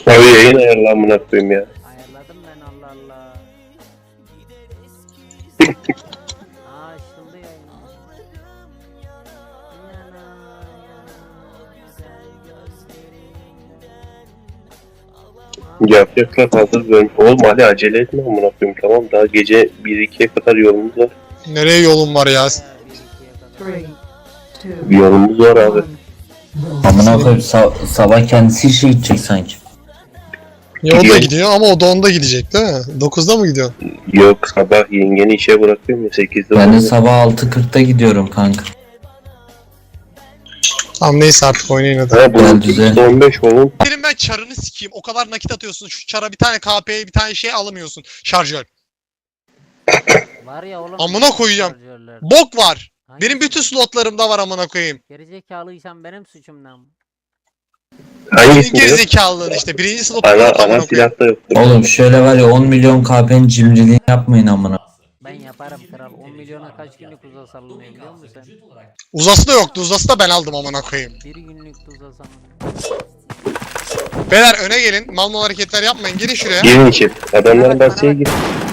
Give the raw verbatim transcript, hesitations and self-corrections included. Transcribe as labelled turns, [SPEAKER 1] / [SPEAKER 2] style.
[SPEAKER 1] Abi yayın ayarla amına koyayım ya.
[SPEAKER 2] Ayarladım ben, Allah Allah. Aa, açıldı yayın. Yana, yana,
[SPEAKER 1] Yapacaklar hazır bölüm. Oğlum hadi acele etme amına koyayım, tamam, daha gece bir ikiye kadar yolumuz var.
[SPEAKER 3] Nereye yolun var ya?
[SPEAKER 2] bir ikiye kadar.
[SPEAKER 4] Three, two,
[SPEAKER 1] Bir yolumuz var abi.
[SPEAKER 4] one.
[SPEAKER 5] Amına koyayım sa- sabah kendisi işe gidecek sanki.
[SPEAKER 3] Yolda
[SPEAKER 1] Gidiyor.
[SPEAKER 3] gidiyor ama o da onda gidecek değil mi? dokuzda mı gidiyor?
[SPEAKER 1] Yok, sabah yengeni işe bırakıyorum ya, sekizde.
[SPEAKER 5] Ben de
[SPEAKER 1] oluyor.
[SPEAKER 5] sabah altı kırkta gidiyorum kanka.
[SPEAKER 3] Tamam neyse artık oynayın hadi.
[SPEAKER 1] Ha bu
[SPEAKER 5] Gel düze.
[SPEAKER 1] on beş oğlum.
[SPEAKER 3] Senin ben çarını sikeyim. O kadar nakit atıyorsun. Şu çara bir tane K P'ye bir tane şey alamıyorsun. Şarjör.
[SPEAKER 2] Var ya oğlum.
[SPEAKER 3] Amına koyacağım.
[SPEAKER 2] şarjörler.
[SPEAKER 3] Bok var.
[SPEAKER 2] Hangi-
[SPEAKER 3] Benim bütün slotlarımda var amına koyayım.
[SPEAKER 2] Gerizekalıysan benim suçum ne?
[SPEAKER 3] Senin
[SPEAKER 1] Hangisinde yok?
[SPEAKER 3] gerizekalılığın işte. Birinci slotunda
[SPEAKER 1] Ana,
[SPEAKER 3] yok
[SPEAKER 1] ana
[SPEAKER 3] amına koyayım.
[SPEAKER 1] silahta yoktur.
[SPEAKER 5] Oğlum şöyle var ya on milyon K P'nin cimriliğini yapmayın amına.
[SPEAKER 2] Ben yaparım kral. on milyona kaç günlük uza salınıyor biliyor musun sen?
[SPEAKER 3] Uzası da yoktu. Uzası da ben aldım amına koyayım.
[SPEAKER 2] Bir günlük uza salınıyor.
[SPEAKER 3] Beyler öne gelin. Mal mal hareketler yapmayın. Gelin şuraya.
[SPEAKER 1] Girin içeri. Adamların bahçeye gir.